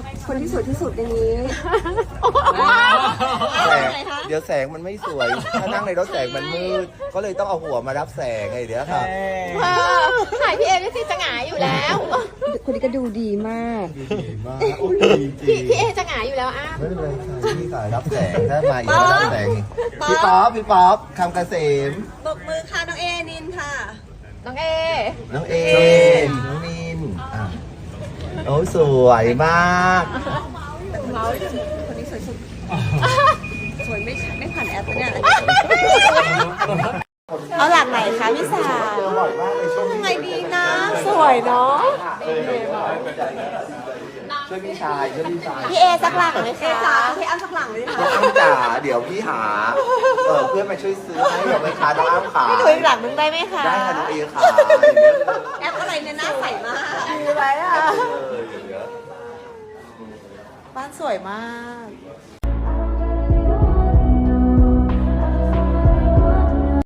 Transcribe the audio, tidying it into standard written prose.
คนที่สวยที่สุดในนี้แสงเดี๋ยวแสงมันไม่สวย ถ้านั่งในรถแสงมันมืด ก็เลยต้องเอาหัวมารับแสงไงเดี๋ยวค่ะถ่ายพี่เอได้สิจะหงายอยู่แล้วคนนี้ก็ดูดีมากดีมากโอ้ยดีจริงพี่เอจะหงายอยู่แล้วอ้าไม่เป็นไรค่ะพี่สายรับแสงถ้ามาอีกก็รับแสงอีกพี่ป๊อปคำเกษมปรบมือค่ะน้องเอนินค่ะน้องเอน้องเอน้องมินอ่ะโอ้ยสวยมากคนนี้สวยสุด สวยไม่ผ่านแอปเนี่ย เอาหลักไหนคะพี่สาวเจอบ่อยมากในช่วงนี้ไงดีนะสวยเนาะช่วยพี่ชายช่วยพี่ชายพี่เอสักหลังไหมเอคะจ๋าพี่อ้ำสักหลังเลยค่ะน้องอ้ำจ๋าเดี๋ยวพี่หาเพื่อนมาช่วยซื้อให้เดี๋ยวไปค้าน้องอ้ำขาพี่ดูอีกหลังนึงได้ไหมคะได้ค่ะน้องเอขาอย่างเงี้ยแอปอะไรเนี่ยหน้าใสมากดีไหมอ่ะอย่างเงี้ยบ้านสวยมาก